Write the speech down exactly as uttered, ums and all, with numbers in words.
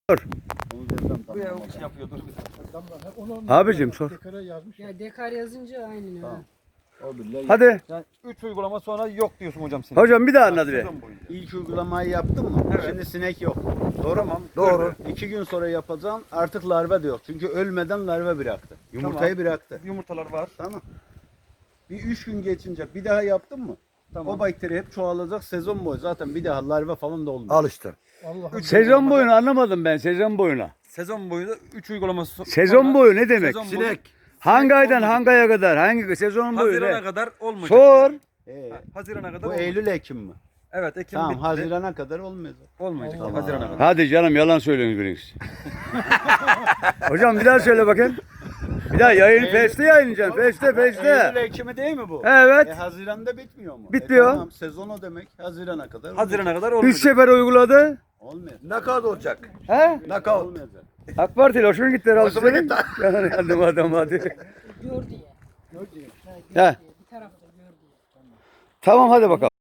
Bu ya o şey yapıyor dur. Abicim sor. Ya dekar yazınca aynı. Tamam. Hadi. Yani üç uygulama sonra yok diyorsun hocam sen. Hocam bir daha anlat be. Sezon boyunca. İlk uygulamayı yaptın mı? Evet. Şimdi sinek yok. Doğru mu? Doğru. İki gün sonra yapacağım. Artık larva da yok. Çünkü ölmeden larva bıraktı. Yumurtayı Tamam. bıraktı. Yumurtalar var. Tamam. Bir üç gün geçince bir daha yaptın mı? Tamam. O bakteri hep çoğalacak sezon boyu. Zaten bir daha larva falan da olmuyor. Al işte. Üç Sezon uygulamada- boyunu anlamadım ben. Sezon boyuna. Sezon boyu da üç uygulaması so- Sezon sonra- boyu ne demek? Sezon boyu- Hangi aydan olmayacak. hangi aya kadar? Hangi sezon boyu Hazirana ne? kadar olmayacak. Sor. Ee, Ha, Hazirana kadar bu olmayacak. Eylül Ekim mi? Evet Ekim Tamam, bitti. Haziran'a kadar olmayacak. Olmayacak. Hazirana kadar. Hadi canım yalan söylüyorsunuz biriniz. Hocam bir daha söyle bakayım. Bir daha yayın Face'te yayınlayacaksın. Face'te Eylül Face'te. Ekim'i değil mi bu? Evet. E, Haziran'da bitmiyor mu? Bitmiyor. E, tamam, sezon o demek. Haziran'a kadar olmayacak. Hazirana kadar Üç olmayacak. sefer uyguladı. Olmayacak. Knockout olacak. He? Knockout. Olmayacak. AK Parti'yle hoşuna gitti herhalde Hoşuma senin. gitti. Yalan yandım adam hadi. Gör diye. Gör diye. He. Bir tarafta gör diye. Tamam hadi bakalım.